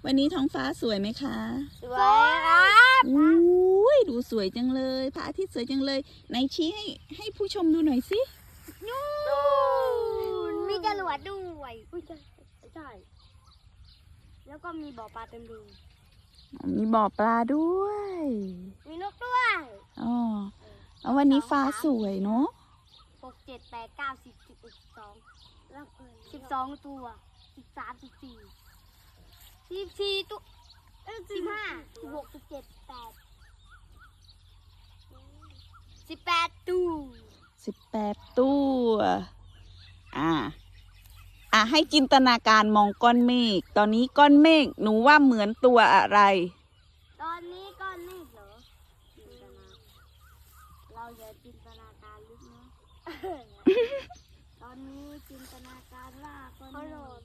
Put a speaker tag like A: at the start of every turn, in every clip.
A: วันนี้ท้องฟ้าสวยไหมคะ
B: สวยครับ
A: อุ้ยดูสวยจังเลยพระอาทิตย์สวยจังเลยไหนชี้ให้ผู้ชมดูหน่อยสิ
B: นู่นมีจรวดด้วยอุ้ยใช่แล้วก็มีบ่อปลาเต็มรู
A: มีบ่อปลาด้วย
B: มีนกด้วย
A: อ๋อแล้ววันนี้ฟ้าสวยเนาะ
B: 6 7 8 9 10 11 12แล้ว12ตัว13 14ตัว15 16 17 18 18ตัว
A: 18 ตัวให้จินตนาการมองก้อนเมฆตอนนี้ก้อนเมฆหนูว่าเหมือนตัวอะไร
B: ตอนนี้ก้อนเมฆเหรอจินตนาเราอย่าจินตนาการลึกนะ ตอนนี้จินตนาการว่าก้อนเมฆ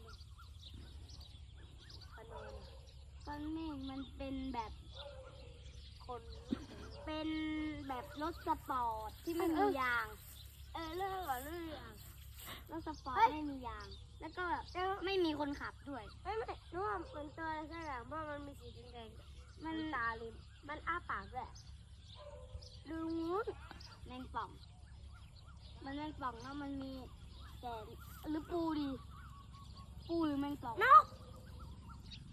B: ก้อนเมฆมันเป็นแบบคนเป็นแบบรถสปอร์ตที่ไม่มียางเรื่องรถสปอร์ตไม่มียาง แล้วก็ไม่มีคนขับด้วยไม่นึกว่ามันตัวอะไรสักอย่างเพราะมันมีสีแดงๆมันตาลิมมันอ้าปากด้วยดูงูแมงป่องมันแมงป่องแล้วมันมีแต่หรือปูดีปูหรือแมงป่องนก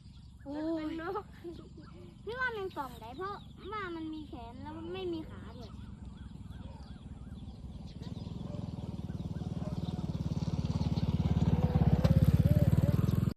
B: นกนี่ว่าแมงป่องได้เพราะว่ามันมีแขนแล้วมันไม่มีขาด้วย